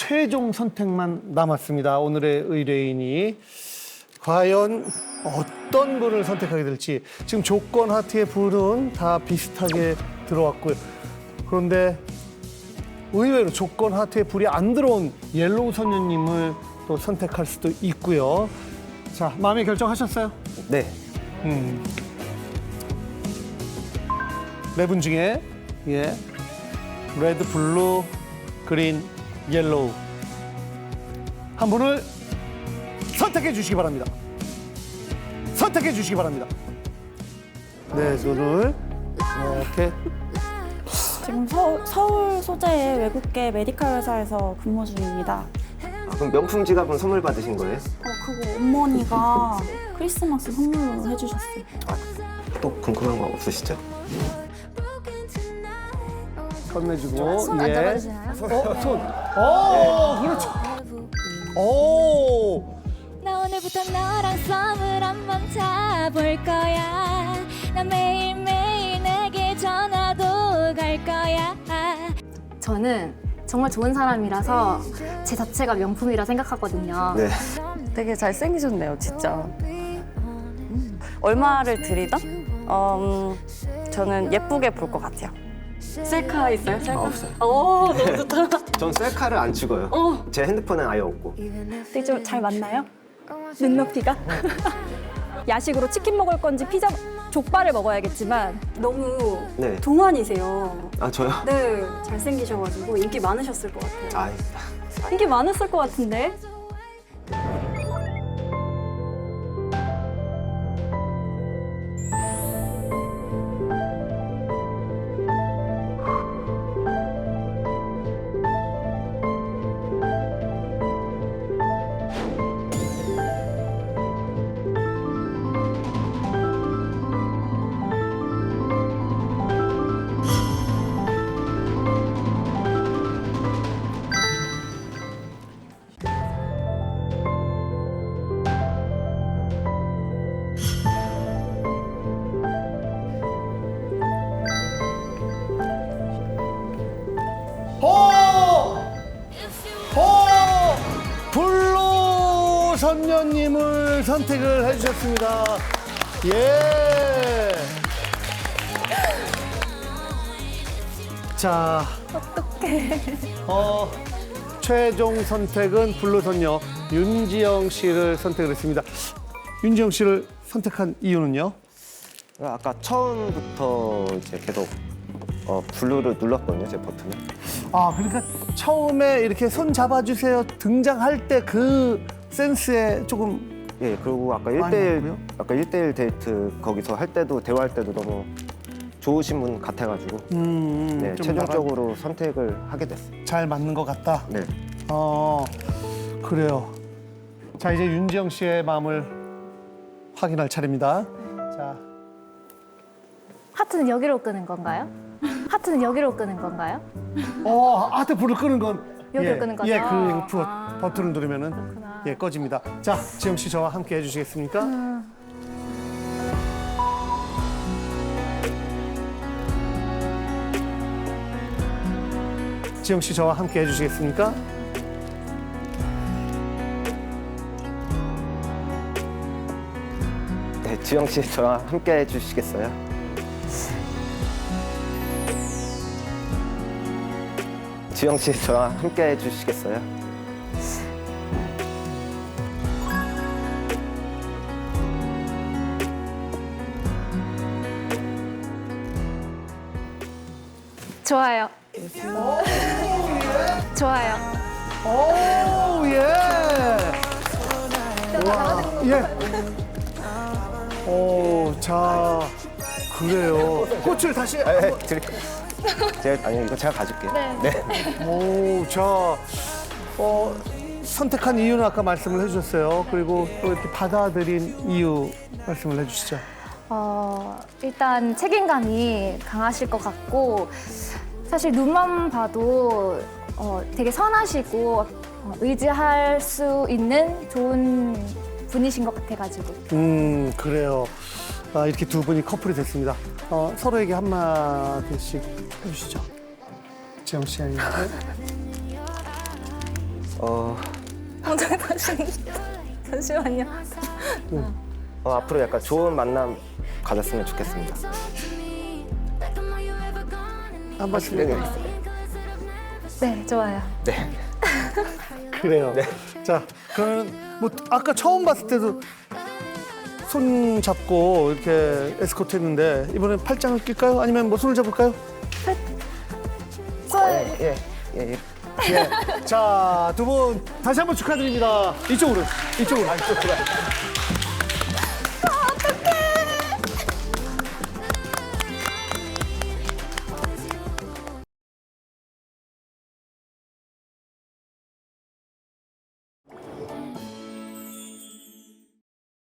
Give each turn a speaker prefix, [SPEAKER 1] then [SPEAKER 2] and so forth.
[SPEAKER 1] 최종 선택만 남았습니다. 오늘의 의뢰인이 과연 어떤 분을 선택하게 될지. 지금 조건 하트의 불은 다 비슷하게 들어왔고요. 그런데 의외로 조건 하트의 불이 안 들어온 옐로우 선녀님을 또 선택할 수도 있고요. 자, 마음의 결정하셨어요?
[SPEAKER 2] 네.
[SPEAKER 1] 네 분 중에 레드, 블루, 그린, 옐로우 한 분을 선택해 주시기 바랍니다. 선택해 주시기 바랍니다. 네, 손을 이렇게.
[SPEAKER 3] 지금 서울 소재의 외국계 메디칼 회사에서 근무 중입니다.
[SPEAKER 2] 그럼 명품 지갑은 선물 받으신 거예요?
[SPEAKER 3] 그거 어머니가 크리스마스 선물로 해주셨어요.
[SPEAKER 2] 또 궁금한 거 없으시죠?
[SPEAKER 1] 건네주고.
[SPEAKER 3] 손 안 잡아주시나요?
[SPEAKER 1] 손. 그렇죠. 오.
[SPEAKER 4] 나 오늘부터 너랑 썸을 한번 타볼 거야. 나 매일매일 내게 전화도 갈 거야.
[SPEAKER 5] 저는 정말 좋은 사람이라서 제 자체가 명품이라 생각하거든요.
[SPEAKER 2] 네.
[SPEAKER 6] 되게 잘생기셨네요, 진짜. 얼마를 드리다? 저는 예쁘게 볼 것 같아요. 셀카 있어요? 셀카?
[SPEAKER 2] 없어요.
[SPEAKER 6] 오, 너무 좋다.
[SPEAKER 2] 전 셀카를 안 찍어요. 제 핸드폰은 아예 없고.
[SPEAKER 3] 되게 좀 잘 맞나요? 눈높이가? 야식으로 치킨 먹을 건지 피자, 족발을 먹어야겠지만 너무
[SPEAKER 2] 네.
[SPEAKER 3] 동안이세요.
[SPEAKER 2] 아, 저요?
[SPEAKER 3] 네, 잘생기셔가지고 인기 많으셨을 것 같아요.
[SPEAKER 2] 아,
[SPEAKER 3] 인기 많았을 것 같은데?
[SPEAKER 1] 블루 선녀님을 선택을 해주셨습니다. 예. 자. 어떡해. 최종 선택은 블루 선녀 윤지영 씨를 선택을 했습니다. 윤지영 씨를 선택한 이유는요?
[SPEAKER 2] 아까 처음부터 이제 계속 블루를 눌렀거든요, 제 버튼을.
[SPEAKER 1] 아, 그러니까 처음에 이렇게 손 잡아주세요 등장할 때 그 센스에 조금.
[SPEAKER 2] 예, 그리고 아까
[SPEAKER 1] 많이
[SPEAKER 2] 1대1,
[SPEAKER 1] 맞고요?
[SPEAKER 2] 아까 1대1 데이트 거기서 할 때도, 대화할 때도 너무 좋으신 분 같아가지고. 네,
[SPEAKER 1] 좀
[SPEAKER 2] 최종적으로 선택을 하게 됐어요.
[SPEAKER 1] 잘 맞는 것 같다.
[SPEAKER 2] 네.
[SPEAKER 1] 그래요. 자, 이제 윤지영 씨의 마음을 확인할 차례입니다. 자,
[SPEAKER 5] 하트는 여기로 끄는 건가요? 하트는 여기로 끄는 건가요?
[SPEAKER 1] 하트 불을 끄는 건
[SPEAKER 5] 여기로 끄는 거죠?
[SPEAKER 1] 예, 버튼을 누르면은
[SPEAKER 5] 그렇구나.
[SPEAKER 1] 예, 꺼집니다. 자, 지영 씨 저와 함께 해주시겠습니까? 지영 씨 저와 함께 해주시겠습니까?
[SPEAKER 2] 네, 지영 씨 저와 함께 해주시겠어요? 지영 씨 저와 함께 해주시겠어요?
[SPEAKER 5] 좋아요. 좋아요.
[SPEAKER 1] 오, 예. 와, 예. 자, 그래요. 꽃을 다시.
[SPEAKER 2] 드릴게요. 이거 제가 가질게요. 네.
[SPEAKER 1] 오, 자, 선택한 이유는 아까 말씀을 해주셨어요. 그리고 또 이렇게 받아들인 이유 말씀을 해주시죠.
[SPEAKER 5] 일단 책임감이 강하실 것 같고 사실 눈만 봐도 되게 선하시고 의지할 수 있는 좋은 분이신 것 같아가지고.
[SPEAKER 1] 그래요. 이렇게 두 분이 커플이 됐습니다. 서로에게 한마디씩 해주시죠. 지영 씨 아니면.
[SPEAKER 3] 혼자 하시는 잠시만요.
[SPEAKER 2] 앞으로 약간 좋은 만남 가졌으면 좋겠습니다.
[SPEAKER 1] 한 번씩
[SPEAKER 2] 네, 네.
[SPEAKER 5] 네, 좋아요.
[SPEAKER 2] 네.
[SPEAKER 1] 그래요. 자, 그러면 뭐 아까 처음 봤을 때도 손 잡고 이렇게 에스코트 했는데 이번엔 팔짱을 낄까요? 아니면 뭐 손을 잡을까요?
[SPEAKER 2] 예.
[SPEAKER 1] 예. 자, 두 분 다시 한번 축하드립니다. 이쪽으로. 이쪽으로.